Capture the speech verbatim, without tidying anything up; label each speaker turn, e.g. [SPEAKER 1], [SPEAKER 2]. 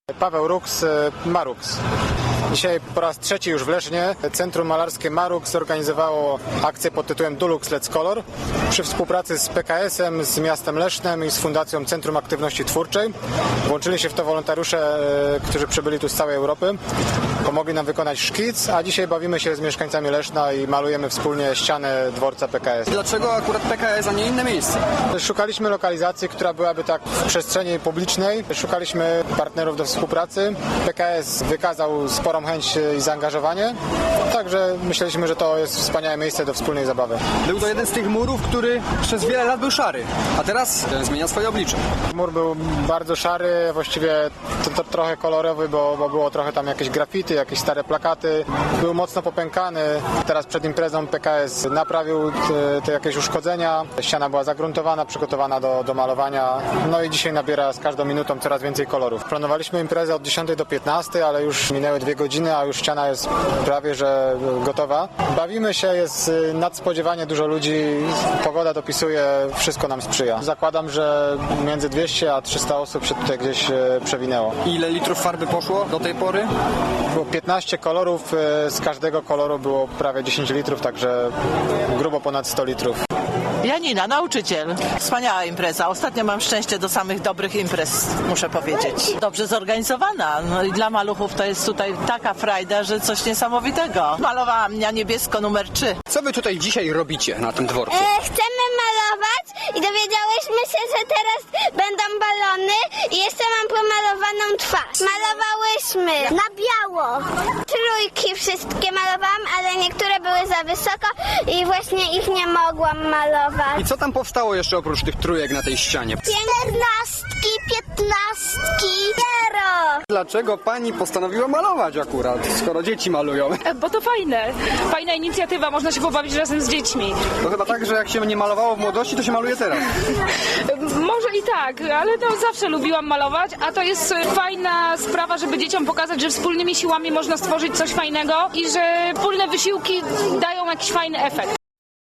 [SPEAKER 1] Paweł Ruks, Marux. Dzisiaj po raz trzeci już w Lesznie Centrum Malarskie Marux zorganizowało akcję pod tytułem Dulux Let's Color przy współpracy z P K S-em, z miastem Lesznem i z Fundacją Centrum Aktywności Twórczej. Włączyli się w to wolontariusze, którzy przybyli tu z całej Europy. Pomogli nam wykonać szkic, a dzisiaj bawimy się z mieszkańcami Leszna i malujemy wspólnie ścianę dworca P K S.
[SPEAKER 2] Dlaczego akurat P K S, a nie inne miejsce?
[SPEAKER 1] Szukaliśmy lokalizacji, która byłaby tak w przestrzeni publicznej. Szukaliśmy partnerów do współpracy. P K S wykazał sporą chęć i zaangażowanie, także myśleliśmy, że to jest wspaniałe miejsce do wspólnej zabawy.
[SPEAKER 2] Był to jeden z tych murów, który przez wiele lat był szary, a teraz zmienia swoje oblicze.
[SPEAKER 1] Mur był bardzo szary, właściwie to, to trochę kolorowy, bo, bo było trochę tam jakieś graffiti, jakieś stare plakaty. Był mocno popękany. Teraz przed imprezą P K S naprawił te, te jakieś uszkodzenia. Ściana była zagruntowana, przygotowana do, do malowania. No i dzisiaj nabiera z każdą minutą coraz więcej kolorów. Planowaliśmy imprezę od dziesiątej do piętnastej, ale już minęły dwie godziny, a już ściana jest prawie że gotowa. Bawimy się, jest nadspodziewanie dużo ludzi. Pogoda dopisuje, wszystko nam sprzyja. Zakładam, że między dwieście a trzysta osób się tutaj gdzieś przewinęło.
[SPEAKER 2] Ile litrów farby poszło do tej pory?
[SPEAKER 1] Było piętnaście kolorów, z każdego koloru było prawie dziesięć litrów, także grubo ponad sto litrów.
[SPEAKER 3] Janina, nauczyciel. Wspaniała impreza. Ostatnio mam szczęście do samych dobrych imprez, muszę powiedzieć. Dobrze zorganizowana. No i dla maluchów to jest tutaj taka frajda, że coś niesamowitego. Malowałam na niebiesko numer trzy.
[SPEAKER 2] Co wy tutaj dzisiaj robicie na tym dworcu?
[SPEAKER 4] E, chcemy malować i dowiedziałyśmy się, że teraz będą balony i jeszcze mam pomalowaną twarz. Malowałyśmy na biało. Trójki wszystkie malowałam, ale niektóre były za wysoko i właśnie ich nie mogłam malować.
[SPEAKER 2] I co tam powstało jeszcze oprócz tych trójek na tej ścianie?
[SPEAKER 4] Piętnastki, piętnastki, zero.
[SPEAKER 2] Dlaczego pani postanowiła malować akurat, skoro dzieci malują?
[SPEAKER 5] Bo to fajne. Fajna inicjatywa, można się pobawić razem z dziećmi.
[SPEAKER 2] To chyba tak, że jak się nie malowało w młodości, to się maluje teraz.
[SPEAKER 5] Może i tak, ale no zawsze lubiłam malować, a to jest fajna sprawa, żeby dzieciom pokazać, że wspólnymi siłami można stworzyć coś fajnego i że wspólne wysiłki dają jakiś fajny efekt.